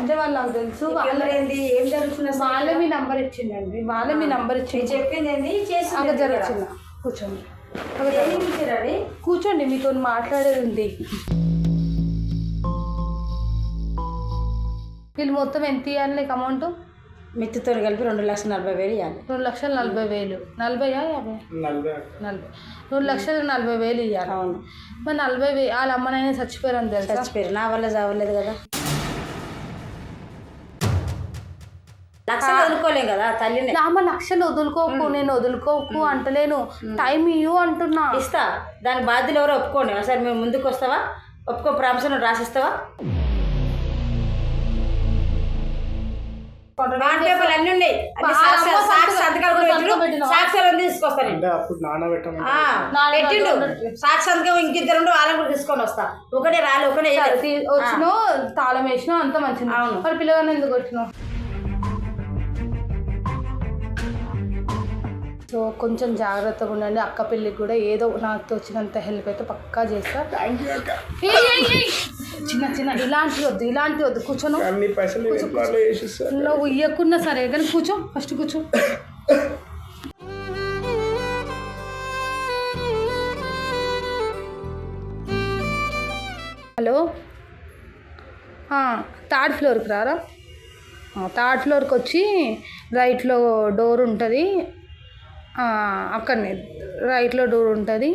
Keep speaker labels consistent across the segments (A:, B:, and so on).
A: అంటే వాళ్ళు నాకు తెలుసు.
B: ఏంది ఏం జరుగుతుంది?
A: వాళ్ళే మీ నంబర్ ఇచ్చిండండి. వాళ్ళే మీ నంబర్ ఇచ్చింది.
B: చెప్పింది ఏంది చేసి
A: అక్కడ జరుగుతున్నా. కూర్చోండి, కూర్చోండి, మీతో మాట్లాడేది ఉంది. వీళ్ళు మొత్తం ఎంత ఇవ్వాలి నీకు అమౌంట్?
B: మిత్తితో కలిపి 2,40,000 ఇవ్వాలి.
A: 2,40,000. 40,000 50? 40. 2,40,000 ఇవ్వాలి.
B: అవును.
A: మరి 40,000 వాళ్ళ అమ్మనైనా చచ్చిపోయారని తెలుసు.
B: చచ్చిపోయారు, నా వల్ల చావలేదు కదా. లక్షలు వదులుకోలేం కదా తల్లిని.
A: అమ్మ లక్షలు వదులుకోకు, నేను వదులుకోకు అంటలేను, టైం ఇవ్వు అంటున్నా.
B: ఇస్తా, దాని బాధ్యులు ఎవరో ఒప్పుకోండి. అసలు మేము ముందుకు వస్తావా? ఒప్పుకో, ప్రామిషన్ రాసిస్తావా? పేపర్లు అన్నీ ఉన్నాయి, సాక్షాలు తీసుకొస్తాను. పెట్టిండు సాక్షి సంతకం, ఇంకిద్దరు వాళ్ళని కూడా తీసుకొని వస్తా. ఒకటే రాలి ఒకటే
A: వచ్చినావు, తాళం వేసినావు, అంత మంచిది. మరి పిల్లగానే ఎందుకు వచ్చినావు? సో కొంచెం జాగ్రత్తగా ఉండండి. అక్క పెళ్ళికి కూడా ఏదో నాకు వచ్చినంత హెల్ప్ అయితే పక్కా చేస్తా. చిన్న చిన్న ఇలాంటి వద్దు కూర్చోను. నువ్వు ఇయ్యకున్నా సరే కానీ కూర్చో, ఫస్ట్ కూర్చో. హలో, 3rd ఫ్లోర్కి రారా. 3rd ఫ్లోర్కి వచ్చి రైట్లో డోర్ ఉంటుంది, అక్కడనే రైట్లో డోర్ ఉంటుంది.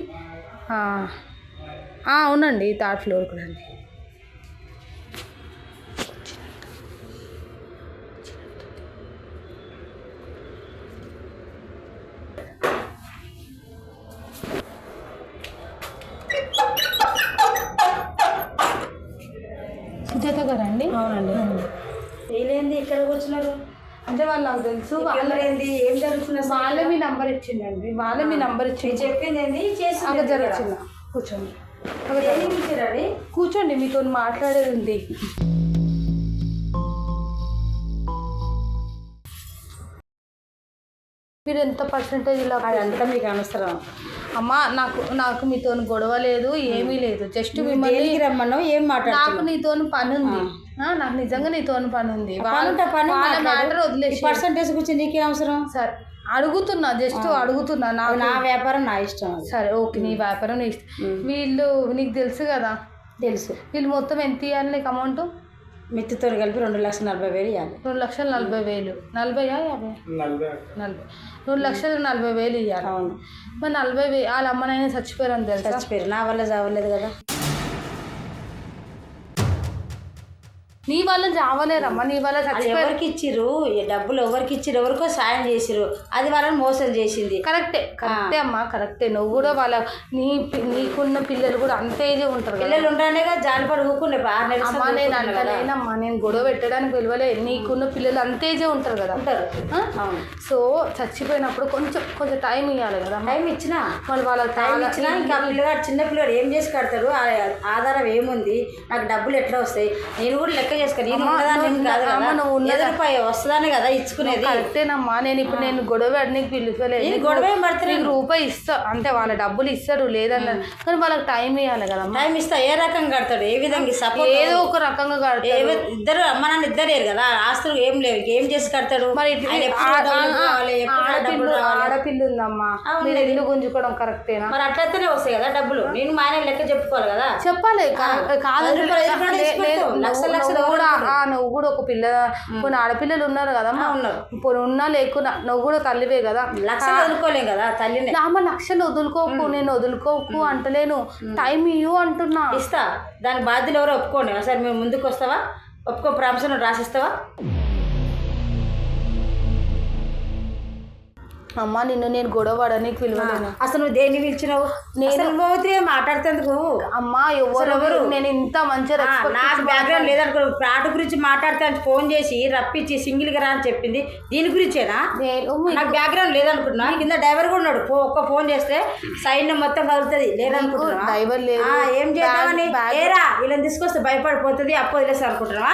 A: అవునండి, 3rd ఫ్లోర్కి రండి. సుజాత గారండి?
B: అవునండి. వీళ్ళేంది ఇక్కడ కూర్చున్నారు?
A: అంటే వాళ్ళు నాకు తెలుసు.
B: ఏంది ఏం జరుగుతుంది?
A: వాళ్ళే మీ నంబర్ ఇచ్చిండండి. వాళ్ళే మీ నంబర్ ఇచ్చింది.
B: చెప్పింది ఏంది చేసి
A: అక్కడ జరుగుతున్నా. కూర్చోండి, కూర్చోండి, మీతో మాట్లాడేది ఉంది. మీరు ఎంత పర్సెంటేజ్ ఇలా
B: అదంతా మీకు అనవసరం
A: అమ్మ. నాకు మీతో గొడవ లేదు, ఏమీ లేదు. జస్ట్ మిమ్మల్ని
B: రమ్మన్నావు, ఏం మాట్లాడు.
A: నాకు నీతో పని ఉంది, నాకు నిజంగా నీతో పని ఉంది. వాళ్ళ మ్యాటర్ వదిలేసి
B: పర్సెంటేజ్ గురించి నీకేం అవసరం?
A: సరే అడుగుతున్నా, జస్ట్ అడుగుతున్నా.
B: నా వ్యాపారం నా ఇష్టం.
A: సరే ఓకే, నీ వ్యాపారం నీ ఇష్టం. వీళ్ళు నీకు తెలుసు కదా.
B: తెలుసు.
A: వీళ్ళు మొత్తం ఎంత ఇవ్వాలి నీకు అమౌంట్?
B: మిత్తితో కలిపి 2,40,000 ఇవ్వాలి.
A: 2,40,000. 40,000 50? 40. 2,40,000 ఇవ్వాలి.
B: అవును.
A: మరి 40,000 వాళ్ళ అమ్మనైనా చచ్చిపోయారని తెలుసు.
B: చచ్చిపోయారు, నా వల్ల చావలేదు కదా.
A: నీ వల్ల చావలేరమ్మా, నీ వల్ల
B: ఎవరికి ఇచ్చిర్రు డబ్బులు? ఎవరికి ఇచ్చిర్రు? ఎవరికో సాయం చేసిర్రు, అది వాళ్ళని మోసం చేసింది.
A: కరెక్టే అమ్మా, కరెక్టే. నువ్వు కూడా వాళ్ళ నీకున్న పిల్లలు కూడా అంతే ఉంటారు.
B: పిల్లలు ఉంటానే కదా జాలిపడి ఊరుకుండే.
A: అమ్మా నేను అంటలేనమ్మా, నేను గొడవ పెట్టడానికి విలువలే. నీకున్న పిల్లలు అంతే ఉంటారు కదా.
B: ఉంటారు.
A: సో చచ్చిపోయినప్పుడు కొంచెం టైం ఇవ్వాలి కదా.
B: టైం ఇచ్చినా
A: మళ్ళీ వాళ్ళకి
B: టైం ఇచ్చినా ఇంకా పిల్లగాడు చిన్న పిల్లగాడు ఏం చేసి కడతాడు? ఆధారం ఏముంది? నాకు డబ్బులు ఎట్లా వస్తాయి? నేను కూడా లెక్క చేసుకోని వస్తుందానే కదా ఇచ్చుకునేది.
A: కరెక్టేనమ్మా. నేను గొడవ నీకు పిలువలేదు.
B: గొడవ పడుతుంది.
A: రూపాయి ఇస్తా అంటే వాళ్ళ డబ్బులు ఇస్తారు లేదన్నారు, కానీ వాళ్ళకి టైం ఇవ్వాలి కదా.
B: టైం ఇస్తా. ఏ రకంగా కడతాడు? ఏ విధంగా? సపోర్ట్
A: ఏదో ఒక రకంగా కడతాడు.
B: ఇద్దరు అమ్మ నాన్న ఇద్దరు కదా, ఆస్తులు ఏం లేవు, ఏం చేసి కడతాడు?
A: మరి ఆడపిల్ల ఉందమ్మా, మీరు ఇల్లు గుంజుకోవడం కరెక్టేనా?
B: మరి అట్లయితేనే వస్తాయి కదా డబ్బులు. నేను మా ఆయన లెక్క చెప్పుకోవాలి కదా.
A: చెప్పాలి కాదు. నువ్వు కూడా ఒక పిల్ల, కొన్ని ఆడపిల్లలు ఉన్నారు కదమ్మా. ఉన్నారు, ఉన్నా లేకున్నా నువ్వు కూడా తల్లివే కదా.
B: లక్షలు వదులుకోలేం కదా తల్లిని.
A: అమ్మ లక్షలు వదులుకోకు, నేను వదులుకోకు అంటలేను, టైం ఇవ్వు అంటున్నా.
B: ఇస్తా, దాని బాధ్యులు ఎవరో ఒప్పుకోండి. అసలు మేము ముందుకు వస్తావా? ఒప్పుకో, ప్రామిషన్ రాసిస్తావా?
A: అమ్మ నేను గొడవ పడడానికి పిలవలేను.
B: అసలు నువ్వు దేన్ని పిలిచినావు? నేను మాట్లాడుతేందుకు
A: అమ్మా ఎవరెవరు? నేను ఇంత మంచిగా
B: నాకు బ్యాక్గ్రౌండ్ లేదనుకో. ప్లాట్ గురించి మాట్లాడితే ఫోన్ చేసి రప్పించి సింగిల్గా రా అని చెప్పింది. దీని గురించేనా? నాకు బ్యాక్గ్రౌండ్ లేదనుకుంటున్నా. కింద డ్రైవర్ కూడా ఉన్నాడు. ఒక్క ఫోన్ చేస్తే సైడ్ మొత్తం కలుగుతుంది. లేదనుకుంటున్నా.
A: డ్రైవర్ లేదు.
B: ఏం చేద్దామని? ఏరా వీళ్ళని తీసుకొస్తే భయపడిపోతుంది, అప్పు వదిలేస్తా అనుకుంటున్నావా?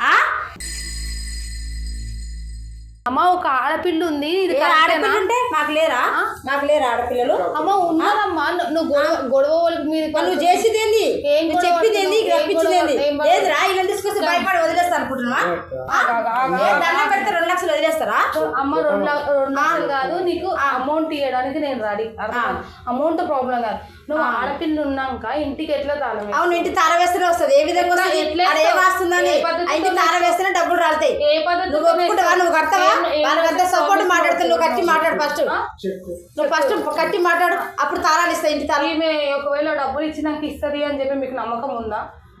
A: అమ్మ ఒక ఆడపిల్ల ఉంది.
B: ఆడపిల్ల ఉంటే మాకు లేరా? నాకు లేరా ఆడపిల్లలు?
A: అమ్మ ఉన్నారమ్మా. నువ్వు గొడవ
B: నువ్వు చేసేది ఏంది? చెప్పింది ఏంది? రప్పించింది ఏంది? లేదు రా, ఇలా తీసుకొస్తే భయపడి వదిలేస్తా అనుకుంటున్నా. అనుకుంటున్నా దండం పెడితే 2 లక్షలు వదిలేస్తారా?
A: అమ్మ 2 లక్షలు కాదు, నీకు అమౌంట్ ఇవ్వడానికి నేను రెడీ. అమౌంట్ ప్రాబ్లం కాదు, నువ్వు ఆడపిల్ల ఉన్నాక ఇంటికి ఎట్లా తాళం?
B: అవును, ఇంటి తాళం వేస్తేనే వస్తుంది. ఏ విధంగా వస్తుంది? ఏ వాస్తుందని ఇంటి తాళం వేస్తేనే డబ్బులు రాలుతాయి.
A: ఏ పద్ధతి
B: నువ్వు ఒప్పుకుంటావా? నువ్వు కడతావా? వాళ్ళకంతా సపోర్ట్ మాట్లాడుతుంది. నువ్వు కట్టి మాట్లాడు ఫస్ట్. నువ్వు ఫస్ట్ కట్టి మాట్లాడు, అప్పుడు తాళాలు ఇస్తాయి. ఇంటి తాళం
A: ఈమె ఒకవేళ డబ్బులు ఇచ్చినాక ఇస్తుంది అని చెప్పి మీకు నమ్మకం ఉందా?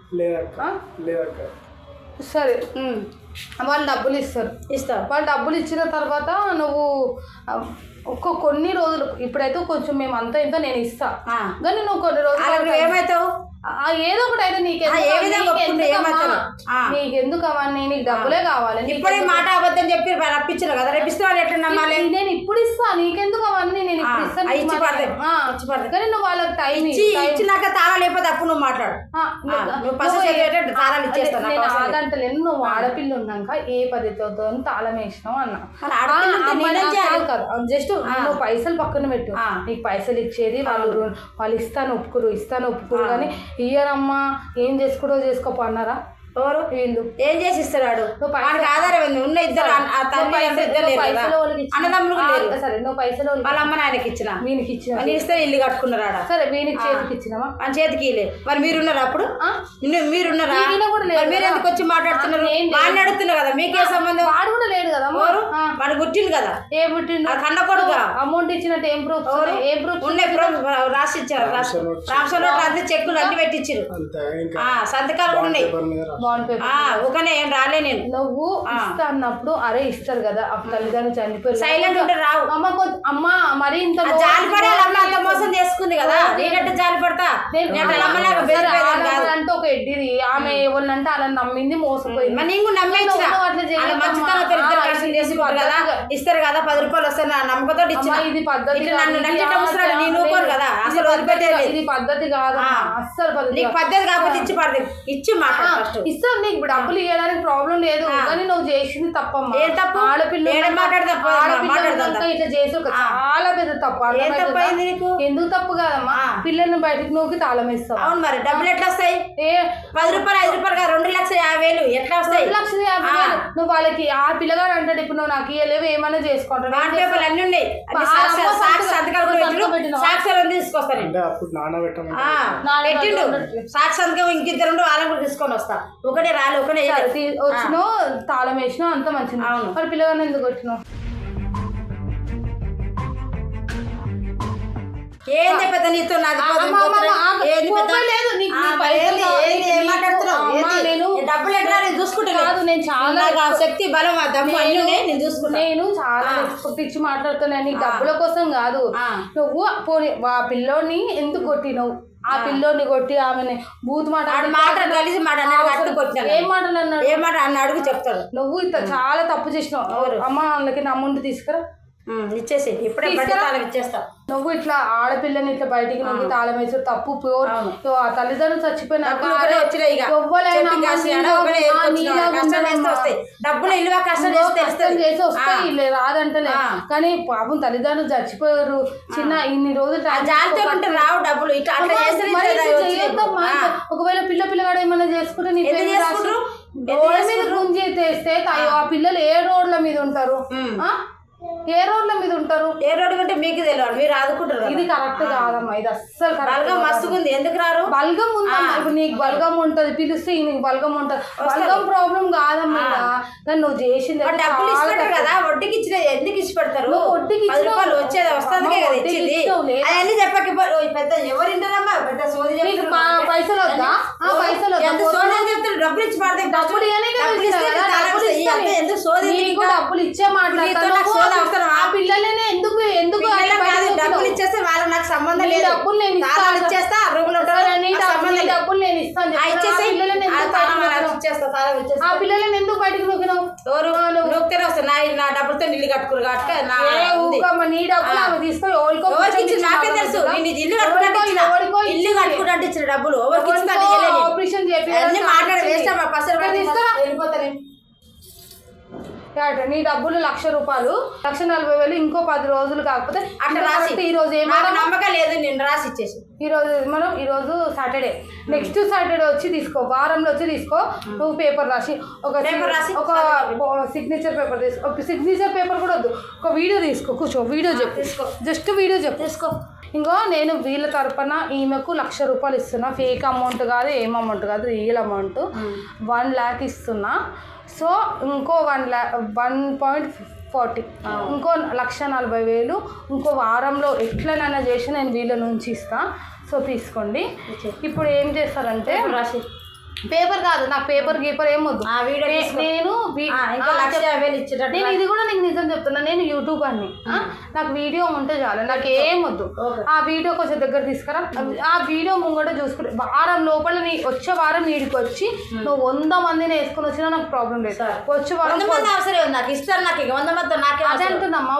A: సరే, వాళ్ళు డబ్బులు ఇస్తారు. వాళ్ళు డబ్బులు ఇచ్చిన తర్వాత నువ్వు కొన్ని రోజులు, ఇప్పుడైతే కొంచెం మేము అంతా ఇంత నేను ఇస్తా, కానీ నువ్వు కొన్ని రోజులు
B: ఏమవుతావు?
A: ఏదో ఒకటి అయితే నీకెందుకు అవన్నీ? నీకు డబ్బులే కావాలి.
B: ఇప్పుడే మాట అబద్ధం చెప్పి రప్పించిన కదా, రేపిస్తే వాళ్ళు ఎట్లా నమ్మాలి?
A: నేను ఇప్పుడు ఇస్తా, నీకెందుకు అవన్నీ? నేను ఇప్పుడు ఇస్తాను, కానీ నువ్వు వాళ్ళకి టైం
B: ఇచ్చినాక తాళాలు లేకపోతే అప్పుడు నువ్వు మాట్లాడు. తాళాలు ఇచ్చేస్తాను.
A: నేను ఆదంటలేను, నువ్వు ఆడపిల్ల ఉన్నాక ఏ పద్ధతితో తాళం వేసినావు అన్నా. జస్ట్ నువ్వు పైసలు పక్కన పెట్టు, నీకు పైసలు ఇచ్చేది వాళ్ళు ఇస్తాను ఒప్పుకురు కానీ ఇయ్యరమ్మా, ఏం చేసుకుంటో చేసుకోపో అన్నారా?
B: ఎవరు? వీళ్ళు ఏం చేసి ఇస్తాడు? వాడికి ఆధారం ఏంది? ఉన్న ఇద్దరు అన్నదమ్ములు సరే, నువ్వు పైసలు వాళ్ళ అమ్మ నాయనకి ఇచ్చిన, వీనికి ఇచ్చిన, ఇస్తే ఇల్లు కట్టుకున్నారా? సరే, వీనికి చేతికి ఇచ్చినావా? మన చేతికి ఇలే. మరి మీరున్నారా? అప్పుడు మీరున్నారా? మీరు ఎందుకు వచ్చి మాట్లాడుతున్నారు? వాడిని అడుగుతున్నారు కదా, మీకే సంబంధం? వాడు కూడా లేడు కదా, వాడు పుట్టిండు కదా. ఏ పుట్టిండు? కన్న కొడుకు. అమౌంట్ ఇచ్చినట్టు ఏం ప్రూఫ్? ఏ ప్రూఫ్ ఉన్నాయి? రాసి ఇచ్చారు. రాష్ట్రంలో అంతా చెక్కులు అన్ని పెట్టించారు, సంతకాలు కూడా ఉన్నాయి. ఒకనే ఏం రాలే నేను. నువ్వు ఇస్తా అన్నప్పుడు అరే ఇస్తారు కదా, తల్లిదండ్రులు చనిపోయి సైలెంట్ ఉంటే రావు. అమ్మ మరి ఇంత జాలిపడాలి, అంత మోసం చేసుకుంది కదా, నేనంటే జాలిపడతా అంటే ఒక ఎడ్డిది. ఆమె ఎవరినంటే అలా నమ్మింది, మోసపోయింది. నేను నమ్మేసిన కదా, ఇస్తారు కదా 10 రూపాయలు వస్తారు నమ్మకంతో ఇచ్చిన. ఇది పద్ధతి కదా, అసలు ఇది పద్ధతి కాదు, అస్సలు పద్ధతి. పద్ధతి కాకపోతే ఇచ్చి పడదు, ఇచ్చి మాట్లాడు. ఇస్తాను, నీకు డబ్బులు ఇవ్వడానికి ప్రాబ్లం లేదు, కానీ నువ్వు చేసింది తప్పమ్మా. ఏ తప్పు? ఆడపిల్ల ఇట్లా చేసి చాలా పెద్ద తప్పు. ఎందుకు తప్పు కాదమ్మా? పిల్లల్ని బయటకు నూకి తాళం వేస్తావు. అవును, మరి డబ్బులు ఎట్లా వస్తాయి? 10 రూపాయలు 5 రూపాయలు 2,50,000 ఎట్లా వస్తాయి? 2,50,000 నువ్వు వాళ్ళకి ఆ పిల్లగాడు అంటాడు, ఇప్పుడు నువ్వు నాకు ఇవ్వలేవు ఏమైనా చేసుకుంటావు. అన్ని ఉన్నాయి, సాక్షాలు తీసుకొస్తాను. పెట్టిండు సాక్షి సంతకం, ఇంకిద్దరు వాళ్ళని కూడా తీసుకొని వస్తా. ఒకటే రాలి ఒకటే వచ్చినావు, తాళం వేసినావు, అంత మంచిది. మరి పిల్లగానే ఎందుకు వచ్చినావు? ఏంది పెద్ద నీతో డబ్బులు ఎట్లా చూసుకుంటాను? నేను చాలా శక్తి బలం నేను చూసుకుంటా. నేను చాలా ఇచ్చి మాట్లాడుతున్నాను, నీకు డబ్బుల కోసం కాదు. నువ్వు పోనీ ఆ పిల్లోని ఎందుకు కొట్టినావు? ఆ పిల్లోని కొట్టి ఆమెని బూత్ మాట కలిసి ఏం మాటలు అన్నాడు? ఏ మాట అన్న అడుగు చెప్తాడు. నువ్వు ఇంత చాలా తప్పు చేసినావు. అమ్మ వాళ్ళకి నా అమౌంట్ తీసుకురా, ఇచ్చేసి ఇప్పుడే ఇచ్చేస్తా. నువ్వు ఇట్లా ఆడపిల్లని ఇట్లా బయటికి నువ్వు తాళం వేసి తప్పు. ప్యూర్ తల్లిదండ్రులు చచ్చిపోయిన డబ్బులు ఇల్లు కష్టం చేసి వస్తాయి, రాదంటలే. కానీ పాపం తల్లిదండ్రులు చచ్చిపోయారు, చిన్న ఇన్ని రోజులు రావు డబ్బులు. ఒకవేళ పిల్లగాడు ఏమైనా చేసుకుంటే నీ రోడ్ల మీద గుంజి తెస్తే ఆ పిల్లలు ఏ రోడ్ల మీద ఉంటారు? ఏ రోడ్ల మీద ఉంటారు? ఏ రోడ్డు కంటే మీకు తెలియదు, మీరు ఆదుకుంటారు. ఇది కరెక్ట్ కాదమ్మా, ఇది అస్సలు బల్గం మస్తుగుంది. ఎందుకు రారు? బల్గం ఉందమ్మా, ఇప్పుడు నీకు బల్గం ఉంటది, పిలిస్తే నీకు బల్గం ఉంటది. బల్గం ప్రాబ్లం కాదమ్మా, కానీ నువ్వు చేసింది డబ్బులు ఇచ్చి కదా, వడ్డీకి ఇచ్చిన ఎందుకు ఇచ్చి పెడతారు? వడ్డీకి వచ్చేది వస్తుంది అవన్నీ చెప్పక పెద్ద ఎవరు వింటారమ్మా? పెద్ద సోది పైసలు వద్దా? పైసలు చెప్తారు, డబ్బులు ఇచ్చి పడతాయి. డబ్బులు ఎందుకు సోది? డబ్బులు ఇచ్చే మాట్లాడతారు. ఆ పిల్లలనే ఎందుకు డబ్బులు ఇచ్చేస్తే వాళ్ళు నాకు సంబంధం లేదు. డబ్బులు నేను ఇచ్చేస్తా, డబ్బులు నేను ఇస్తాను. ఆ పిల్లలని ఎందుకు బయటకు నొక్కినావు? నొక్కితే వస్తా నా డబ్బులతో నీళ్ళు కట్టుకురు కాబట్టి నీ డబ్బులు ఆమె తీసుకొని నాకే తెలుసు. ఇల్లు కట్టుకుంటే ఇచ్చిన డబ్బులు ఆపరేషన్ చెప్పి మాట్లాడి వేస్తా వెళ్ళిపోతాను. నీ డబ్బులు 1,00,000 రూపాయలు, 1,40,000 ఇంకో 10 రోజులు కాకపోతే అట్లా రాసి ఈ రోజు ఏమో నమ్మకం లేదు, నేను రాసి ఇచ్చేసి
A: ఈరోజు సాటర్డే, నెక్స్ట్ సాటర్డే వచ్చి తీసుకో, వారంలో వచ్చి తీసుకో. నువ్వు పేపర్ రాసి ఒక సిగ్నేచర్ పేపర్ తీసుకో. ఒక సిగ్నేచర్ పేపర్ కూడా వద్దు, ఒక వీడియో తీసుకో, కూర్చో, వీడియో చెప్పు, తీసుకో, జస్ట్ వీడియో చెప్పు, తీసుకో. ఇంకో నేను వీళ్ళ తరపున ఈమెకు 1,00,000 రూపాయలు ఇస్తున్నా. ఫేక్ అమౌంట్ కాదు, ఏం అమౌంట్ కాదు, రియల్ అమౌంట్ 1 lakh ఇస్తున్నా. సో ఇంకో 1.40, ఇంకో 1,40,000 ఇంకో వారంలో ఎట్లనైనా చేసి నేను వీళ్ళ నుంచి ఇస్తా. సో తీసుకోండి. ఇప్పుడు ఏం చేస్తారంటే రాసి పేపర్ కాదు, నాకు పేపర్ గీపర్ ఏం వద్దు. నేను ఇది కూడా నీకు నిజం చెప్తున్నా, నేను యూట్యూబర్ని. నాకు వీడియో ఉంటే చాలు, నాకు ఏం వద్దు. ఆ వీడియో కొంచెం దగ్గర తీసుకురా. ఆ వీడియో ముంగట చూసుకుంటే వారం లోపల వచ్చే వారం వీడికి వచ్చి నువ్వు 100 మందిని వేసుకొని వచ్చినా నాకు ప్రాబ్లం లేదు. వచ్చే వారం
B: నాకు ఇస్తారు, నాకు 100 మంది
A: అదే అంటున్నామ్మా,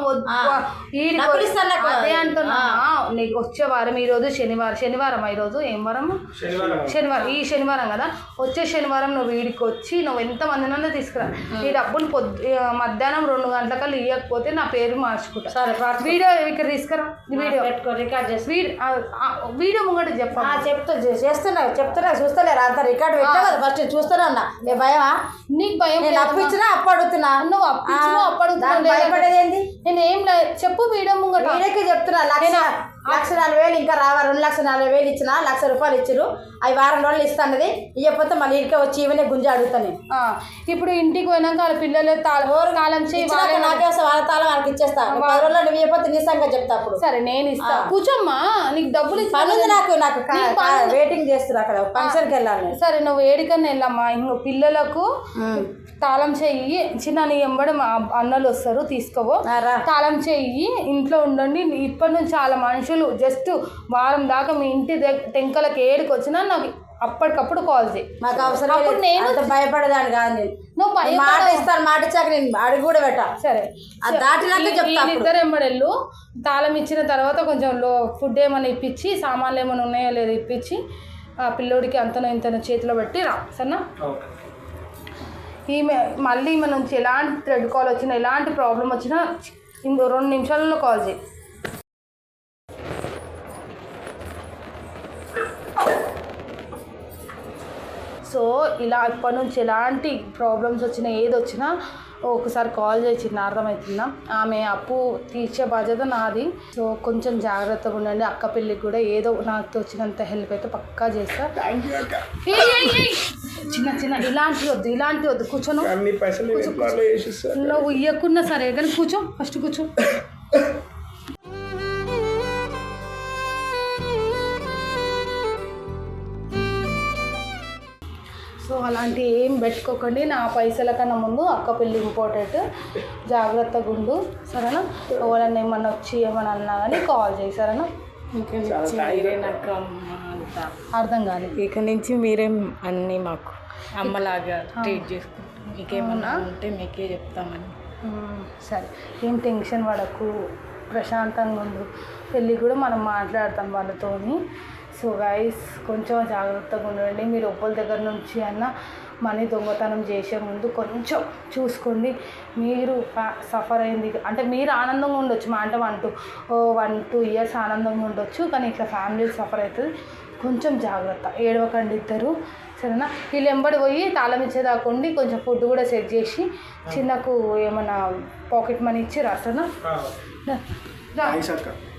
A: అదే అంటున్నామ్మా. నీకు వచ్చే వారం ఈరోజు శనివారం, ఈరోజు ఏం వారం? శనివారం. ఈ శనివారం కదా, వచ్చే శనివారం నువ్వు వీడికి వచ్చి నువ్వు ఎంతమందినన్నా తీసుకురా. ఈ డబ్బులు మధ్యాహ్నం 2 గంటలకల్లా ఇవ్వకపోతే నా పేరు మార్చుకుంటా. వీడియో ఇక్కడ తీసుకురా, వీడియో రికార్డ్ చేసి వీడియో ముంగట చెప్తున్నా
B: చూస్తలేరా అంత రికార్డ్ పెట్టా కదా, ఫస్ట్ చూస్తాను అన్న. భయమా నీకు? భయం అప్పించినా అప్పు అడుగుతున్నా,
A: నువ్వు అప్పు అడుగుతున్నా,
B: భయపడేది ఏంది?
A: నేను ఏం లేదు, చెప్పు వీడియో ముంగట.
B: వీడియోకి చెప్తున్నా 1,40,000 ఇంకా రావా, 2,40,000 ఇచ్చిన 1,00,000 రూపాయలు ఇచ్చారు. అవి వారం రోజులు ఇస్తానది, ఇవ్వకపోతే మళ్ళీ ఇంటికి వచ్చి ఇవన్నీ గుంజ అడుగుతాను.
A: ఇప్పుడు ఇంటికి పోయినాక వాళ్ళ పిల్లలు తాళం చేయి,
B: నాకే వస్తా, వాళ్ళ తాళం వాళ్ళకి ఇచ్చేస్తా. 10 రోజుల్లో నువ్వు ఇవ్వకపోతే నీ సంగతి చెప్తా. అప్పుడు
A: సరే నేను ఇస్తా, కూర్చోమ్మా. నీకు డబ్బులు
B: పనుంది, నాకు వెయిటింగ్ చేస్తున్నా అక్కడ ఫంక్షన్కి వెళ్ళాలి.
A: సరే నువ్వు ఏడికన్నా వెళ్ళమ్మా. ఇంకో పిల్లలకు తాళం చెయ్యి, చిన్న నీ ఎంబడి మా అన్నలు వస్తారు, తీసుకోవో. తాళం చెయ్యి, ఇంట్లో ఉండండి. ఇప్పటి నుంచి చాలా మనుషులు జస్ట్ వారం దాకా మీ ఇంటి టెంకలకి ఏడికి వచ్చినా నాకు అప్పటికప్పుడు కాల్ చేయి.
B: మాకు అవసరం. అప్పుడు నేను భయపడేదాన్ని కాదు. నేను నువ్వు మాట ఇస్తాను, మాట ఇచ్చాక నేను అడిగి కూడా పెట్టా. సరే దాటినాక చెప్తాను.
A: ఇద్దరు ఎంబడెళ్ళు. తాళం ఇచ్చిన తర్వాత కొంచెం ఫుడ్ ఏమైనా ఇప్పించి, సామాన్లు ఏమైనా ఉన్నాయో లేదో ఇప్పించి ఆ పిల్లోడికి అంతనో ఇంతనో చేతిలో పెట్టి రా. సరేనా? ఈమె మళ్ళీ ఈమె నుంచి ఎలాంటి థ్రెడ్ కాల్ వచ్చినా, ఎలాంటి ప్రాబ్లం వచ్చినా 2 నిమిషాలలో కాల్ చేయి. సో ఇలా ఇప్పటి నుంచి ఎలాంటి ప్రాబ్లమ్స్ వచ్చినా, ఏది వచ్చినా ఒకసారి కాల్ చేసి అర్థమవుతుందా? ఆమె అప్పు తీర్చే బాధ్యత నాది. సో కొంచెం జాగ్రత్తగా ఉండండి. అక్క పెళ్ళికి కూడా ఏదో నాకు వచ్చినంత హెల్ప్ అయితే పక్కా చేస్తా. చిన్న ఇలాంటివి వద్దు. కూర్చోను, నువ్వు ఇవ్వకున్నా సరే కానీ కూర్చో, ఫస్ట్ కూర్చో. సో అలాంటి ఏం పెట్టుకోకండి. నా పైసల కన్నా ముందు అక్క పెళ్ళి ఇంపార్టెంట్. జాగ్రత్తగా ఉండు, సరేనా? ఎవరన్నా ఏమన్నా వచ్చి ఏమన్నా అన్నా కానీ కాల్ చేయి, సరేనా? అర్థం కాదు.
B: ఇక నుంచి మీరేం అన్నీ మాకు అమ్మలాగా ట్రీట్ చేసుకుంటాం. మీకేమన్నా ఉంటే మీకే చెప్తామని.
A: సరే, ఏం టెన్షన్ పడకు, ప్రశాంతంగా ఉండు. పెళ్ళి కూడా మనం మాట్లాడతాం వాళ్ళతోని. సో గైస్, కొంచెం జాగ్రత్తగా ఉండండి. మీరు ఒక్కరి దగ్గర నుంచి అన్న మనీ దొంగతనం చేసే ముందు కొంచెం చూసుకోండి. మీరు సఫర్ అయింది అంటే మీరు ఆనందంగా ఉండొచ్చు, మా అంటే 1-2 years ఆనందంగా ఉండొచ్చు, కానీ ఇట్లా ఫ్యామిలీ సఫర్ అవుతుంది. కొంచెం జాగ్రత్త, ఏడవకండి ఇద్దరు, సరేనా? వీళ్ళు ఎంబడి పోయి తాళం ఇచ్చేదాకుండి కొంచెం ఫుడ్ కూడా సెట్ చేసి చిన్నకు ఏమైనా పాకెట్ మనీ ఇచ్చి రాసనా?